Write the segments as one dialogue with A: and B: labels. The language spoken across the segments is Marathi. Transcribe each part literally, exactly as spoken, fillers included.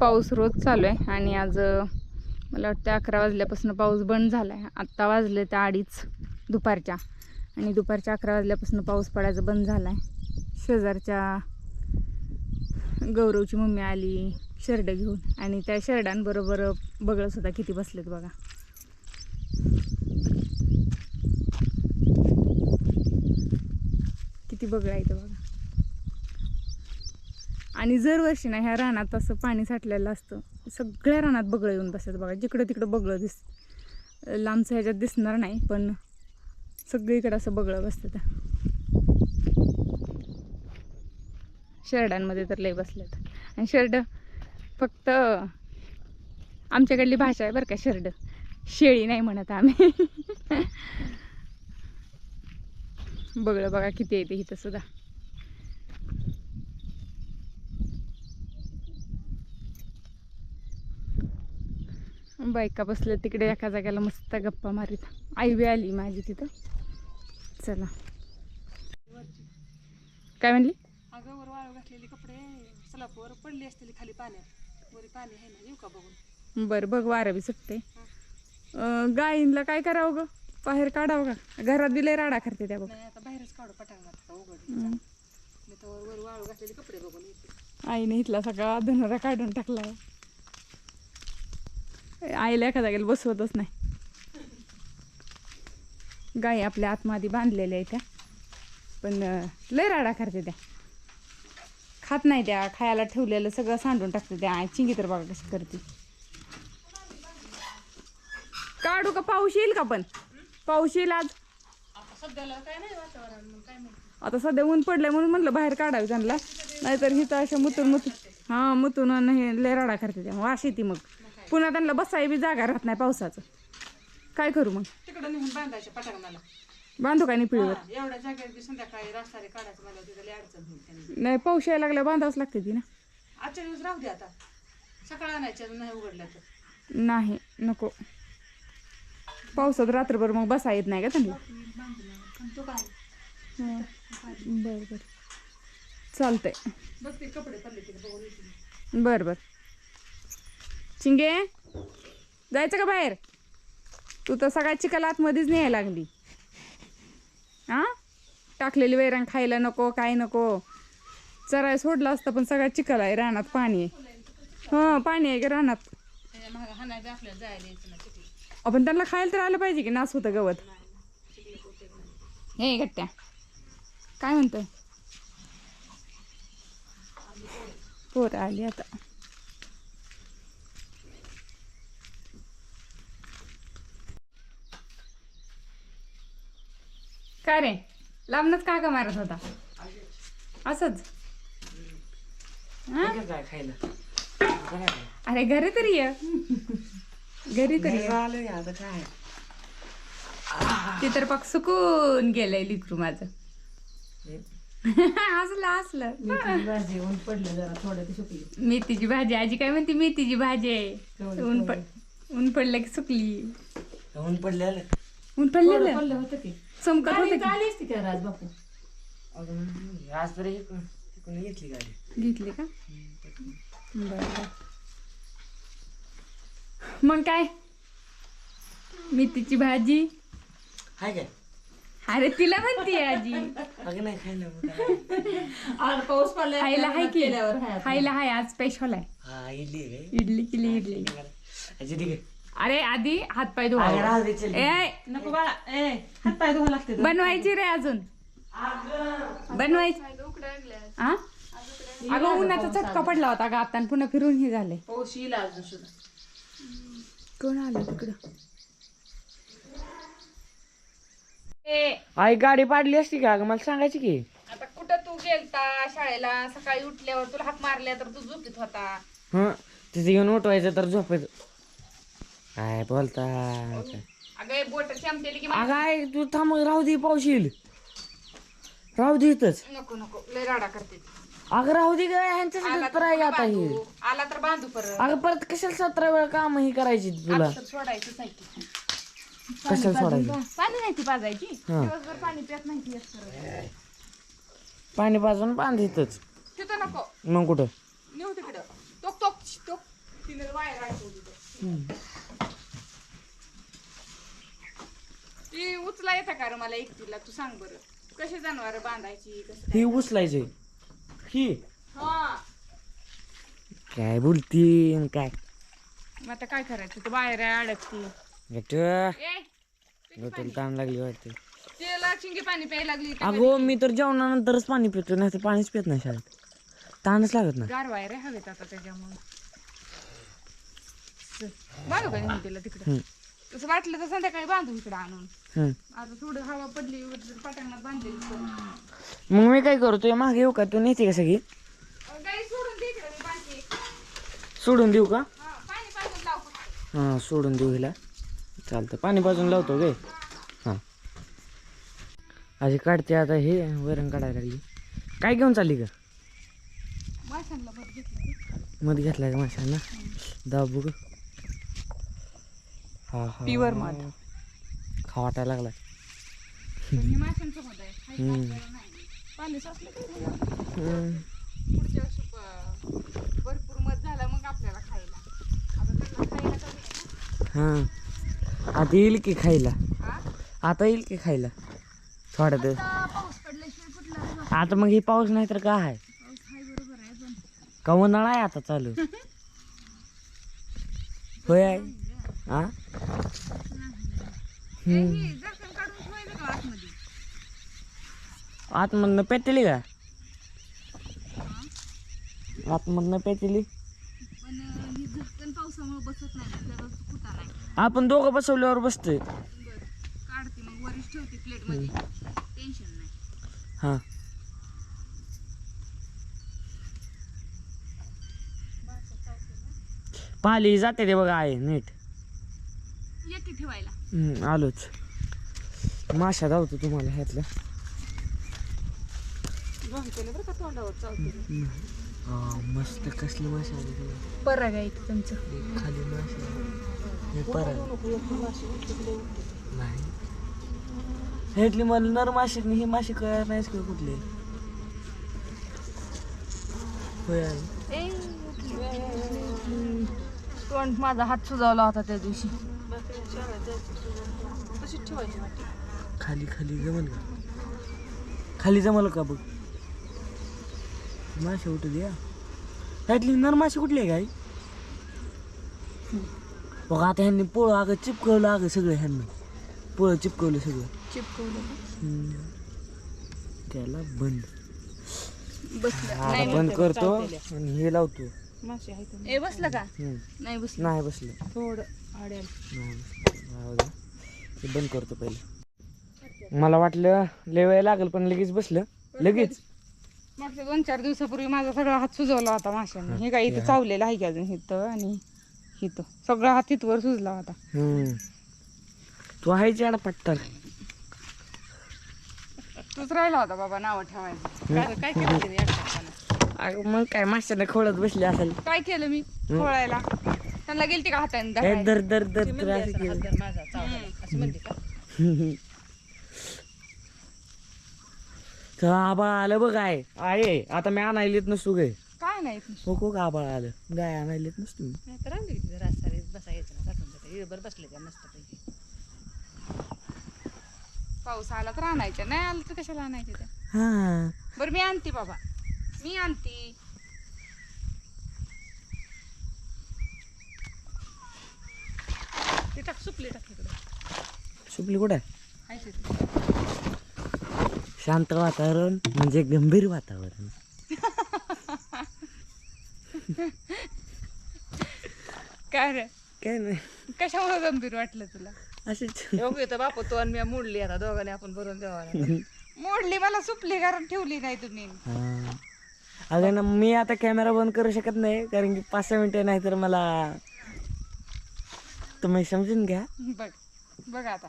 A: पाऊस रोज चालू आहे आणि आज मला वाटतं अकरा वाजल्यापासून पाऊस बंद झाला आहे. आत्ता वाजले त्या अडीच दुपारच्या आणि दुपारच्या अकरा वाजल्यापासून पाऊस पडायचं बंद झाला आहे. शेजारच्या गौरवची मम्मी आली शेरड घेऊन आणि त्या शेरडांबरोबर बगळंसुद्धा किती बसलेत बघा. किती बगळं आहे ते बघा. आणि दरवर्षी ना ह्या रानात असं पाणी साठलेलं असतं. सगळ्या रानात बगळं येऊन बसतात बघा. जिकडं तिकडं बगळं दिस लांबचं ह्याच्यात दिसणार नाही पण सगळीकडे असं बगळं बसतं. शेरडांमध्ये तर लय बसलेत. आणि शेरड फक्त आमच्याकडली भाषा आहे बरं का. शेरड शेळी नाही म्हणत आम्ही. बगळं बघा किती येते इथं सुद्धा. बायका बसल्या तिकडे एका जाग्याला मस्त गप्पा मारीत. आई बी आली माझी तिथं. चला काय म्हणली?
B: अगं वर वाळू घातलेले कपडे सलापवर पडली असतील खाली पाण्यात. वरी पाणी आहे ना, येऊ का बघून?
A: बरं बघ वारं बी सुटते. गायींला काय करावं ग? बाहेर काढावं का? घरात दिले राडा करते त्या बघ.
B: नाही आता बाहेरच काढू पटांगणात उघड. मी तर वर वाळू घातलेले कपडे बघून येते.
A: आईने इथला सगळा धनोरा काढून टाकला. आईला एका जागेला बसवतच नाही. गाई आपल्या आतमध्ये बांधलेल्या आहेत त्या पण लय राडा करते त्या. खात नाही त्या. खायला ठेवलेलं सगळं सांडून टाकते त्या. चिंगी तर बघा कशी करते. काढू का? पाऊस येईल का? पण पाऊस येईल आज.
B: आता सध्याला काय नाही वातावरण, मग काय माहिती.
A: आता सध्या ऊन पडलंय म्हणून म्हणलं बाहेर काढावी त्यांना. नाहीतर हिथं अशा मुतून मुतून हां मुतून हे लय राडा करते त्या. वास येते मग. पुन्हा त्यांना बसाय बी जागा राहत नाही पावसाचं. काय करू मग?
B: तिकडं नेऊन बांधायच्या पटांगणाला.
A: बांधू काय निपळीवर?
B: एवढ्या जागेत संध्याकाळी रास्तारे काढायचं मला तिथं लय अडचण होईल त्यांनी.
A: नाही पाऊस यायला लागल्या बांधावंच लागते ती ना.
B: आजच्या दिवस राहू दे आता. सकाळ आणायच्या नाही उघडल्या तर.
A: नाही नको. पावसात रात्रभर मग बसा येत नाही का त्यांना. बरं बरं चालतंय.
B: बघ ते कपडे पडले तिथे बघून येते.
A: बरं बरं. चिंगे जायचं का बाहेर? तू तर सगळ्या चिखल आतमध्येच न्यायला लागली. हां टाकलेली वैरण खायला नको काय नको. चराय सोडलं असतं पण सगळ्या चिखल आहे. रानात पाणी आहे. हां पाणी आहे का रानात?
B: आपल्याला जायला यायचं ना तिथे.
A: आपण त्यांना खायला तर आलं पाहिजे की. नास होतं गवत. हे गट्ट्या काय म्हणतोय? पोरं आली आता. काय रे लांबनच का का मारत होता? असंच अरे घरी तरी ये. घरी तरी ये. ते तर पाक सुकून गेलंय लिकरू माझं. असलं असलं
B: भाजी ऊन पडलं जरा थोडं ते सुकली.
A: मेथीची भाजी. आजी काय म्हणते? मेथीची भाजी आहे. ऊन पड ऊन पडलं की सुकली.
C: ऊन पडलेलं
A: ऊन पडलेलं
B: पडलं होतं की
A: चमकत होतं की.
B: आली असती का राज बापू?
C: आज तर तिकडून घेतली गाडी.
A: घेतली का? बरं मग काय मेथीची भाजी
C: हाय काय?
A: अरे तिला म्हणते आजी.
C: अगं नाही खायला.
B: आज पाऊस पडला.
A: खायला हाय की. खायला हाय आज स्पेशल आहे.
C: हा इडली आहे
A: इडली केली इडली.
C: काय ठीक आहे.
A: अरे आधी हात पाय धुवा. ए
B: नको बाळा. ए हात पाय धुवा लागते.
A: बनवायची रे अजून. बनवायची. हा अगं उन्हाचा चटका पडला होता का आता पुन्हा फिरून हे झाले.
B: पाऊस येईल अजून सुद्धा.
A: कोण आलं तिकडं?
C: आई गाडी पाडली असती का? मला सांगायची की.
A: आता कुठं तू गेलता शाळेला? सकाळी उठल्यावर तुला हाक मारल्या तर तू झोपीत होता.
C: हं तिथे घेऊन उठवायचं तर झोपायचं. काय बोलता?
A: अगं बोट चमतेली की.
C: अगं आई तू थांब राहू दे. पाऊस येईल. राहू दे इथंच.
A: नको नको लय राडा करते.
C: अगं राहू दे काय ह्यांच्यासाठी तर आहे आता हे.
A: आला तर बांधू परत.
C: अगं परत कशाला सतरा वेळा काम ही करायची तुला?
A: सोडायचंच आहे की.
C: कशाला सोडायचं?
A: पाणी नाही ती पाजायची. दिवसभर पाणी पित नाही ती.
C: पाणी पाजून बांध इथंच.
A: तिथं नको
C: मग कुठं?
A: नेऊ तिकडं. टोक टोक टोक तिने बाहेर अडकवली तर. ती उचला येतं का रे मला एकटीला तू सांग बरं कशी जनावर बांधायची कसं
C: ही उचलायचे ही
A: हा
C: काय बोलती आणि काय
A: मग आता काय करायचं तू बाहेर आहे अडकती
C: गट
A: ए
C: डोक्याला ताण लागली वाटते
A: तिला चिंगी पाणी प्यायला लागली इथं
C: अगो मी तर जेवणानंतरच पाणी पितो नाही तर पाणीच पित नाही शाळेत ताणच लागत नाही
A: गार वायर हवेत आता त्याच्यामुळे बांधू का नेऊन तिला तिकडं
C: हम्म.
A: तसं वाटलं तर संध्याकाळी बांधू इकडं आणून
C: हम्म.
A: आता थोडं हवा पडली पाट्यांना बांधलेली
C: मग मी काय करू तुझ्या मागे येऊ का तू नेते का सगळी
A: गाई सोडून दे इकडं मी बांधते
C: सोडून देऊ का
A: हा पाणी पाजून लाव फक्त.
C: हां सोडून देऊ हिला चालतं पाणी पाजून लावतो गे हां आजी काढते आता हे वरण काढायला लागली काय घेऊन चालली का
A: माशांना बघ घेतलं
C: मध घेतलाय का माशांना दाबू ग हा हा
A: Pure मध.
C: खा वाटायला लागलाय
A: पण हे माशांचं मध आहे खायचं
C: हम्म.
A: आपल्याला नाही. पाणी साचलं की नाही.
C: हम्म.
A: पुढच्या वर्षी प- भरपूर मध झाला मग आपल्याला खायला आता त्यांना खायला कमी आहे
C: हां आता येईल की खायला
A: ना. हा?
C: आता येईल की खायला थोड्या दिवस
A: आता पाऊस पडल्याशिवाय कुठला रे बा?
C: आता मग हे पाऊस नाही तर काय आहे
A: पाऊस हाय बरोबर आहे पण
C: का उन्हाळा आहे आता चालू होय आहे हा
A: ए, हे दर्शन काढून ठेवायचं का आतमध्ये
C: आतमधनं पेटली का आतमधनं पेटली
A: पण अं, ही झटकन पावसामुळे बसत नाही ना त्याला कुठा नाही
C: आपण दोघं बसवल्यावर बसतोय
A: बरं काढते मग वरीच ठेवते प्लेटमध्ये टेन्शन नाही
C: हां पाली जाते ते बघा आहे नीट
A: येते ठेवायला
C: हम्म, आलोच माशा धावतो तुम्हाला ह्यातल्या
B: बरं का तोंडावर चावते
C: हा मस्त कसली माशा आली तुला
A: बरं आहे इथं तुमचं
C: खाली माशा हे परत नाही ह्यातली मला नर माशी आणि ही माशी कळणार नाहीच किंवा कुठली होय आहे.
A: तोंड माझा हात सुजावला होता त्या दिवशी
B: तशीच ठेवायची वाटी
C: खाली खाली जमल का खाली जमल का बघ माशी उठू द्या त्यातली नर माशी कुठली आहे गाई बघ आता ह्यांनी पोळं अगं चिपकवलं अगं सगळं ह्यांना पोळं चिपकवलं सगळं
A: चिपकवलं
C: हम्म. त्याला बंद
A: बसलं
C: आता बंद करतो आणि हे लावतो
B: मासे आहे तर
A: ए बसलं का
C: हम्म.
A: नाही बसलं
C: नाही बसलं
B: थोडं आड्याला
C: नाही बसलं. राहू दे. हे बंद करतो पहिले मला वाटलं लय वेळ लागेल पण लगेच बसलं लगेच
A: मागच्या दोन चार दिवसापूर्वी माझा सगळा हात सुजवला होता माशाने हे काय इथं चावलेलं आहे की अजून इथं आणि इथं सगळा हात इथवर सुजला होता
C: हम्म. तू आहे चाडा पट्टर
A: तूच राहिला होता बाबा नाव ठेवायचं
B: काय काय केलं तिने एकटा
C: अगं मग काय माशाने खोळत बसली असेल
A: काय केलं मी खोळायला त्यांना गेलती का हाताने
C: हे
A: धरायला?
C: दर दर दर दर असं केलं
B: हात माझा चावला असं म्हणते का
C: तर आबाळ आलं बघ आहे आहे आता मी आणायला येत नसतो गे
A: काय नाही
C: हो को का आबाळ आलं गाय आणायला येत नसतो मी
B: नाही तर आणली तिथे रास्ता बसायचं ना टाकून जाते इळभर बसले त्या मस्त पैकी
A: पाऊस आला तर आणायच्या नाही आलं तर कशाला आणायच्या त्या
C: हा
A: बरं मी आणते बाबा मी आणते
B: ते टाक सुपली टाक इकडे
C: सुपली कुठे
B: आहे तिथे.
C: शांत वातावरण म्हणजे गंभीर वातावरण
A: काय रे
C: काय नाही
A: कशामुळे गंभीर वाटलं तुला
C: असेच
B: एवढं येतं बापू तो आणि मी मोडली आता दोघांनी आपण भरून द्यावा
A: मोडली मला सुपली कारण ठेवली नाही तुम्ही
C: हा. अगं ना मी आता कॅमेरा बंद करू शकत नाही कारण की पाच सहा मिनिटं नाही तर मला तुम्ही समजून घ्या
A: बघ बघ आता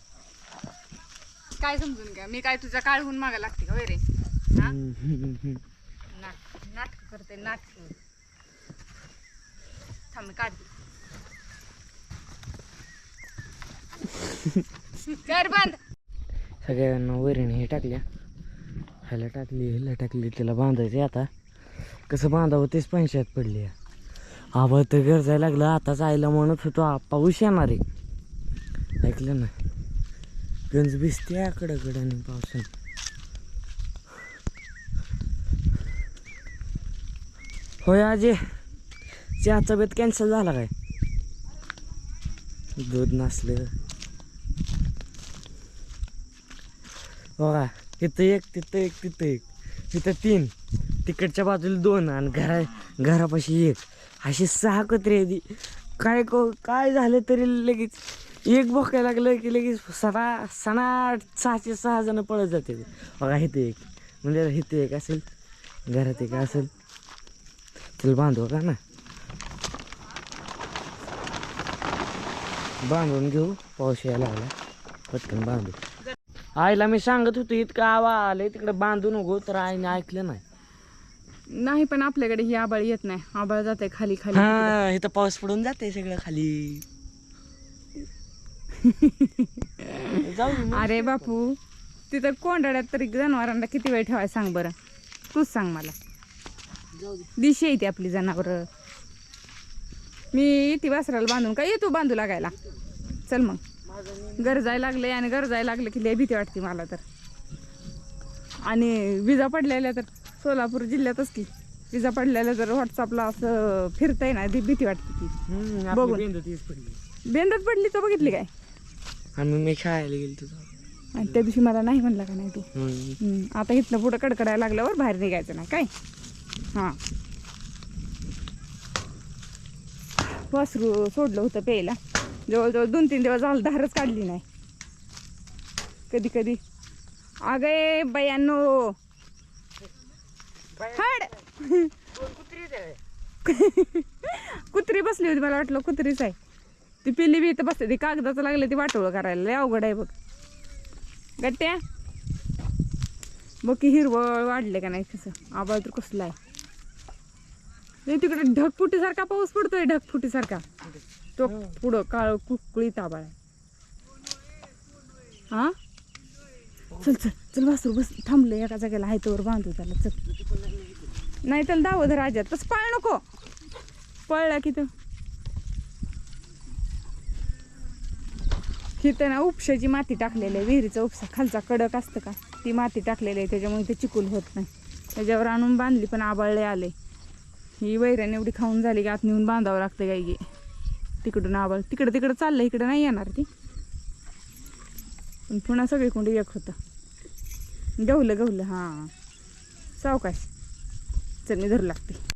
A: काय समजून घ्या मी काय तुझ्या काळहून मागा लागते का वैरे हा नाटक नाटक करते नाटक थांब मी काढते कर बंद
C: सगळ्यांना वरीण हे टाकल्या ह्याला टाकली ह्याला टाकली त्याला बांधायचे आता कसं बांधावं तेच पंचायत पडली आबा तर गरजायला लागलं. आताच आईला म्हणत होतो "आ, पाऊस येणार आहे." ऐकलं ना, गंज भिजते कडकडने पावसाने. होय आजे, चहाचा बेत कॅन्सल झाला काय? दूध नसलं बघा, इथं एक तिथं एक तिथं एक तिथं तीन, तिकडच्या बाजूला दोन आणि घरा घरापाशी एक, अशी सहा कुत्रे आहेत. काय को काय झालं तरी लगेच एक भोकायला लागलं की लगेच सणा सणाट सहाशे सहा जण पळत जाते. बघा इथे एक, म्हणजे इथे एक असेल, घरात एक असेल. चल बांधू का ना, बांधून घेऊ, पाऊस यायला लागला, पटकन बांधू. आईला मी सांगत होतो इतकं आवा आलंय तिकडे बांधू नको, तर आईने ऐकलं नाही.
A: नाही पण आपल्याकडे ही आबाळ येत नाही, आबाळ जाते खाली खाली.
C: हा, इथं पाऊस पडून जाते सगळं खाली. जाऊ दे मग.
A: अरे बापू, तिथं कोंडाड्यात तरी जनावरांना किती वेळ ठेवायला सांग बरं, तूच सांग मला.
C: जाऊ दे.
A: दिशी येते आपली जनावरं. मी ती वासराला बांधून काय येतो बांधू लागायला. चल मग, गरजायला लागले आणि गरजायला लागलं की लय भीती वाटते मला तर. आणि विजा पडलेल्या तर सोलापूर जिल्ह्यातच की विजा पडलेल्या तर व्हॉट्सअपला असं फिरतंय ना, ती भीती वाटते ती.
C: हम्म, आपली
A: बघून.
C: बेंद तीच पडली.
A: बेंदत पडली तर बघितली काय?
C: आम्ही मी खेळायला गेलो तुझा.
A: आणि त्या दिवशी मला नाही म्हणला का नाही तू.
C: हम्म.
A: हम्म, आता इथनं पुढं कडकडायला लागल्यावर बाहेर निघायचं नाही काय. हां, वासरू सोडलं होतं प्यायला, जवळजवळ दोन तीन दिवस झालं धारच काढली नाही. कधी कधी अगे बयानो हाड कुत्री बसली होती, मला वाटलं कुत्रीच आहे. ती पिल्ली बी इथं बसते, ती कागदाचं लागलं ती वाटोळं करायला, लय अवघड आहे बघ. गट्ट्या बघ की हिरवळ वाढले का नाही, कसं आबाळ तर कसलं आहे. तिकडे ढगफुटीसारखा पाऊस पडतोय, ढगफुटीसारखा. तो पुढं काळ कुळीत आबाळ आहे. हा, चल चल चल वासरू बस, थांबलं एका जागेला, आहे तोवर बांधू त्याला. चल, नाही त्याला दावध राजात तसं पळ नको, पळला की तो. तिथं ना उपशाची माती टाकलेली आहे, विहिरीचा उपसा खालचा कडक असतं का, ती माती टाकलेली आहे, त्याच्यामुळे ते चिकूल होत नाही. त्याच्यावर आणून बांधली पण आबाळले आले. ही वैरण एवढी खाऊन झाली की आत नेऊन बांधावं लागतं गाई गे. तिकडून आबाळ तिकडं तिकडं चाललं, इकडं नाही येणार ती. पण पुन्हा सगळी कोंडी एक होतं. गवलं गवलं हां, सावकाश. चल मी धरू लागते.